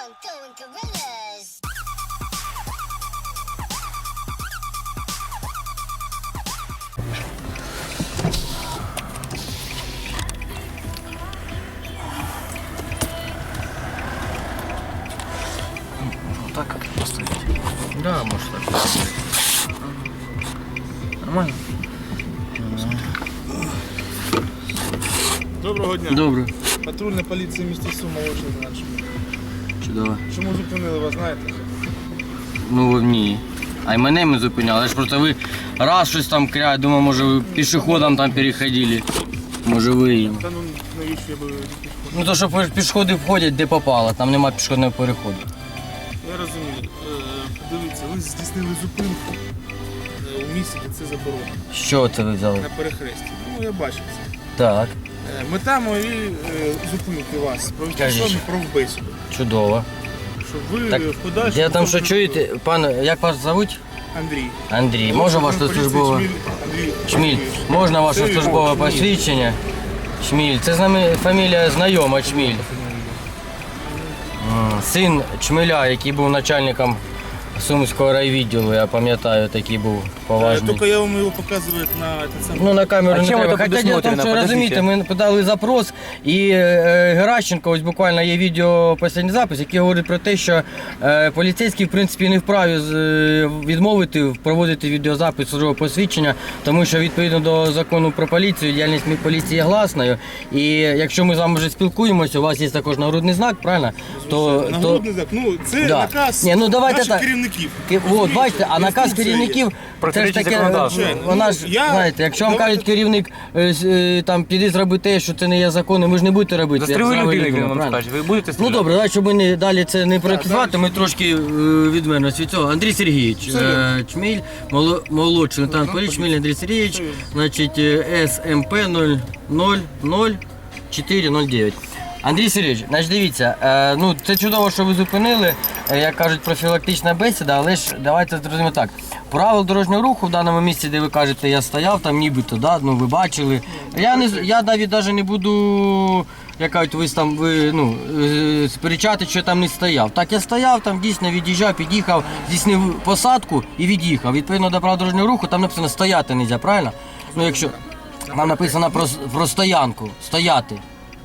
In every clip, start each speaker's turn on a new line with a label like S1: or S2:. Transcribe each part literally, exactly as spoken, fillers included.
S1: going gorillas.
S2: Так как поставить? Да, может так поставить. Нормально?
S3: Доброго дня.
S2: Добре.
S3: Патрульна поліція міста Суми, молодший лейтенант Шміль.
S2: Чудово.
S3: Чому зупинили вас, знаєте?
S2: Ну ні. А й мене ми зупиняли. Я ж просто ви раз щось там кряють, думаю, може ви пішоходом там переходили. Може ви їм.
S3: Та ну навіщо я би пішов?
S2: Ну то що пішоходи входять де попало, там нема пішохідного переходу.
S3: Я розумію. Е, Подивіться, ви здійснили зупинку е, у місці, де це заборонено.
S2: Що це ви взяли?
S3: На перехресті. Ну, я бачив це.
S2: Так,
S3: Е, Мета моєї е, зупинки вас провести
S2: Кажіть.
S3: сьогодні правбесіду.
S2: чудово.
S3: Щоб ви
S2: Так,
S3: в подальшому...
S2: я там що
S3: можете-
S2: чуєте, пан, як вас зовуть?
S3: Андрій.
S2: Андрій, може ваше
S3: Поліція
S2: службове?
S3: Шміль Андрій.
S2: Чміль, можна ваше
S3: Це-
S2: службове
S3: Чміль.
S2: посвідчення? Чміль, це з нами фамілія знайома Чміль. М, Син Чмиля, який був начальником Сумського райвідділу, я пам'ятаю, такий був
S3: Е,
S2: поважний.
S3: Тільки я вам його показую на те саме.
S2: Ну, на камеру
S4: А
S2: не
S4: чим
S2: треба.
S4: ви так
S2: Хоча діло в тому,
S4: предусмотрено?
S2: що розумієте, ми подали запрос, і е, Геращенко, ось буквально є відео, останній запис, який говорить про те, що е, поліцейський, в принципі, не вправі з, е, відмовити проводити відеозапис службового посвідчення, тому що відповідно до закону про поліцію, діяльність поліції є гласною. І якщо ми з вами вже спілкуємося, у вас є також нагрудний знак, правильно? То, то,
S3: Нагрудний знак. Ну, це
S2: Да.
S3: наказ
S2: Ні, ну, давайте
S3: наших
S2: так.
S3: керівників.
S2: Ки- От, бачите, а наказ
S3: Інструкція є.
S2: керівників, це ж
S4: Протирічить
S2: таке,
S4: законодавству.
S2: вона
S3: Ну,
S2: ж,
S3: я-
S2: знаєте, якщо вам
S3: давайте-
S2: кажуть керівник, е, з- е, там, піди зроби те, що це не є законом, ви ж не будете робити. як
S4: Застріли
S2: зрава
S4: людину,
S2: людина,
S4: він вам
S2: правильно?
S4: скаже. Ви будете
S2: Ну
S4: стріляти?
S2: добре, давай, щоб ми не, далі це не практикувати, ми трошки е, відмовимося від цього. Андрій Сергійович, е, Чміль, моло- молодший лейтенант поліції, Чміль Андрій Сергійович, значить, е, С М П нуль нуль нуль чотири нуль дев'ять. Андрій Сергійович, значить дивіться, е, ну це чудово, що ви зупинили, е, як кажуть, профілактична бесіда, але ж давайте зрозуміємо так. Правил дорожнього руху в даному місці, де ви кажете, я стояв, там нібито, да, ну ви бачили. Я не з- я навіть навіть не буду, як кажуть, ви там ви ну е, сперечати, що я там не стояв. Так я стояв, там дійсно від'їжджав, під'їхав, здійснив посадку і від'їхав. Відповідно до правил дорожнього руху, там написано стояти не можна, правильно? Ну якщо там написано про, про стоянку, стояти.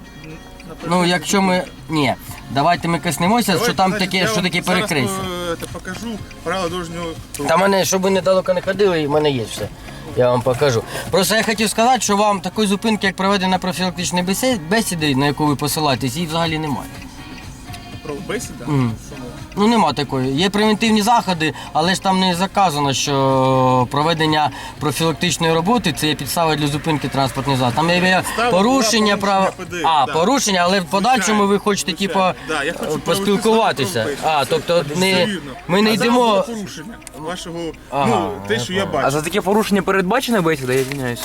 S2: Ну, якщо ми. Ні, давайте ми коснемося, що там
S3: Значить,
S2: таке,
S3: я
S2: що
S3: вам
S2: таке
S3: зараз,
S2: перекрестя.
S3: е, те покажу правила дорожнього руху.
S2: Та мене, щоб ви недалеко не ходили, в мене є все. Я вам покажу. Просто я хотів сказати, що вам такої зупинки, як проведення профілактичної бесіди, бесіди, на яку ви посилаєтесь, її взагалі немає.
S3: Правбесіда?
S2: Мгм.
S3: Що ми?
S2: Ну нема такої. Є превентивні заходи, але ж там не заказано, що проведення профілактичної роботи це є підстава для зупинки транспортних засобів. Там є
S3: Підстава
S2: порушення
S3: була
S2: права.
S3: порушення ПД,
S2: А,
S3: да.
S2: порушення, але в подальшому ви хочете
S3: Звичайно.
S2: типа
S3: Да, я хочу
S2: поспілкуватися.
S3: провести з вами
S2: А,
S3: правбесіду.
S2: тобто
S3: Це
S2: не
S3: достовірно.
S2: ми не
S3: А зараз
S2: йдемо.
S3: було порушення вашого,
S2: Ага,
S3: ну, те,
S2: я
S3: що я
S2: понял.
S4: А
S3: бачу.
S4: за таке порушення передбачена бесіда, я звиняюсь.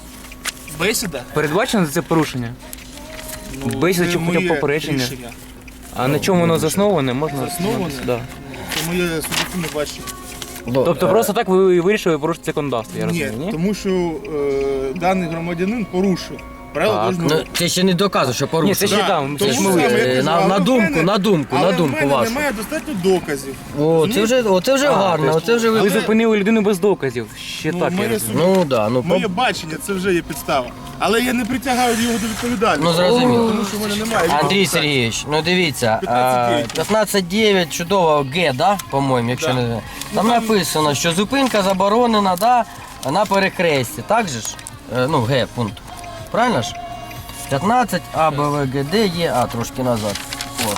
S3: Бесіда?
S4: Передбачено за це порушення?
S3: Ну,
S4: Бесіда
S3: це
S4: чи хоча б
S3: моє
S4: попередження?
S3: рішення.
S4: А на чому воно засноване, можна
S3: Засноване?
S4: дізнатися, Да.
S3: Це моє суб'єктивне бачення.
S4: Тобто просто так ви вирішили порушити законодавство, я
S3: Ні,
S4: розумію, ні?
S3: тому що е, даний громадянин порушив правила
S4: Так,
S3: дорожнього
S2: Ну,
S3: руху.
S2: це ще не доказує, що
S4: Ні,
S2: порушено.
S4: це ще
S3: Да,
S4: там, це
S3: тому
S4: ж ми
S3: саме,
S4: вирішили.
S3: я кажу,
S2: на-
S3: але
S2: на
S3: в
S2: думку,
S3: мене-
S2: на думку,
S3: але
S2: на думку
S3: в мене
S2: вашу.
S3: немає достатньо доказів.
S2: О, це вже, о, це вже
S4: А,
S2: гарно,
S4: тобто
S2: оце вже ви.
S4: Ви зупинили людину без доказів. Ще
S3: Ну,
S4: так, я
S3: моє
S4: розумію.
S2: Ну да, ну
S3: Моє
S2: по-
S3: бачення це вже є підстава. Але я не притягаю його до відповідальності.
S2: Ну, зрозуміло.
S3: Тому що в мене немає.
S2: Андрій Сергійович, ну дивіться,
S3: п'ятнадцять дев'ять.
S2: п'ятнадцять дев'ять, чудово, Г, да, по-моєму, якщо
S3: Да.
S2: не
S3: Ну,
S2: там
S3: там-
S2: написано, що зупинка заборонена, да, на перехресті, так же ж? Е, Ну, Г, пункт. Правильно ж? п'ятнадцять, А, Б, В, Г, Д, Є, А, трошки назад. От.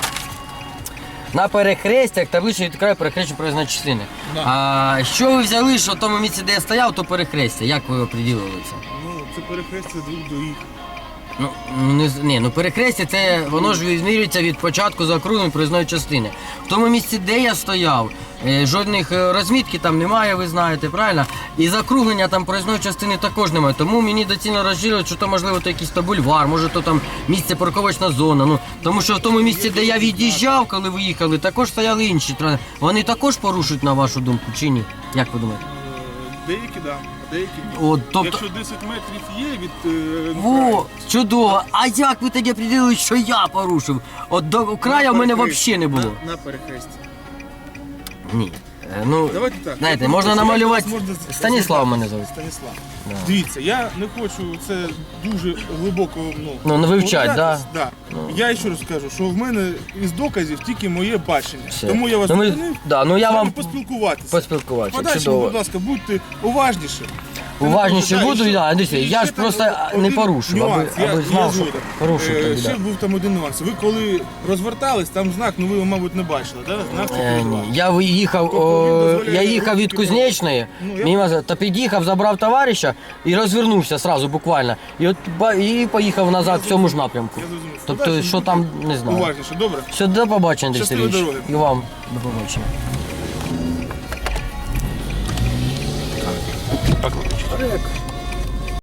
S2: На перехрестях табличка відкриває перехрещення проїзної частини.
S3: Да.
S2: А що ви взяли, що в тому місці, де я стояв, то перехрестя? Як ви оприділили це?
S3: Ну, це перехрестя двох доріг.
S2: Ну, не, з- ні, ну перехрестя це воно ж відмірюється від початку заокруглення проїзної частини. В тому місці, де я стояв, е, жодних е, розмітки там немає, ви знаєте, правильно? І закруглення там проїзної частини також немає. Тому мені доцільно розжирювати, що то можливо то якийсь то бульвар, може то там місце парковочна зона. Ну тому що в тому місці, де я від'їжджав, коли ви їхали, також стояли інші транспорти. Вони також порушують на вашу думку чи ні? Як ви думаєте?
S3: Е, Деякі, так. Да. деякі ні.
S2: От, тобто,
S3: Якщо десять метрів є від е,
S2: Во,
S3: краю,
S2: чудово. А як ви тоді приділили, що я порушив? От до краю в мене
S3: перехресті.
S2: взагалі не було.
S3: На, на перехресті.
S2: Ні. Е, Ну,
S3: Давайте так.
S2: знаєте,
S3: я
S2: можна
S3: просто-
S2: намалювати.
S3: можна з-
S2: Станіслав мене звуть.
S3: Станіслав.
S2: Да.
S3: Дивіться, я не хочу це дуже глибоко ну,
S2: Ну, не вивчать,
S3: погрузатись.
S2: да?
S3: Да. Я ще раз скажу, що в мене із доказів тільки моє бачення.
S2: Все.
S3: Тому я вас
S2: Ну, ми-
S3: зупинив,
S2: да, ну, я
S3: з вами
S2: вам
S3: поспілкуватися.
S2: поспілкуватися.
S3: Подальшому,
S2: Чудово.
S3: будь ласка, будьте уважніші.
S2: Уважніше
S3: Да,
S2: буду,
S3: і ще-
S2: да, Андрій
S3: і
S2: Сергійович,
S3: ще
S2: я ж
S3: там
S2: просто
S3: один
S2: не порушив, аби,
S3: нюанс. Я-
S2: аби
S3: я
S2: знав, що
S3: згоден.
S2: порушив
S3: Е,
S2: тоді,
S3: Ще
S2: да.
S3: був там один нюанс. Ви коли розвертались, там знак, ну ви його, мабуть, не бачили, так? Знак
S2: Е,
S3: це
S2: ні. Я виїхав,
S3: Тобто
S2: о,
S3: він дозволяє
S2: я їхав від
S3: рухи
S2: Кузнечної,
S3: Ну, я-
S2: мимо, та під'їхав, забрав товариша і розвернувся сразу буквально. І от ба- і поїхав назад в цьому ж напрямку.
S3: Я зрозумів.
S2: Тобто,
S3: Подальше
S2: що там, не знаю.
S3: Уважніше, добре?
S2: Все, до побачення, Андрій
S3: Щасливої
S2: Сергійович.
S3: дороги.
S2: І вам до побачення.
S3: Так.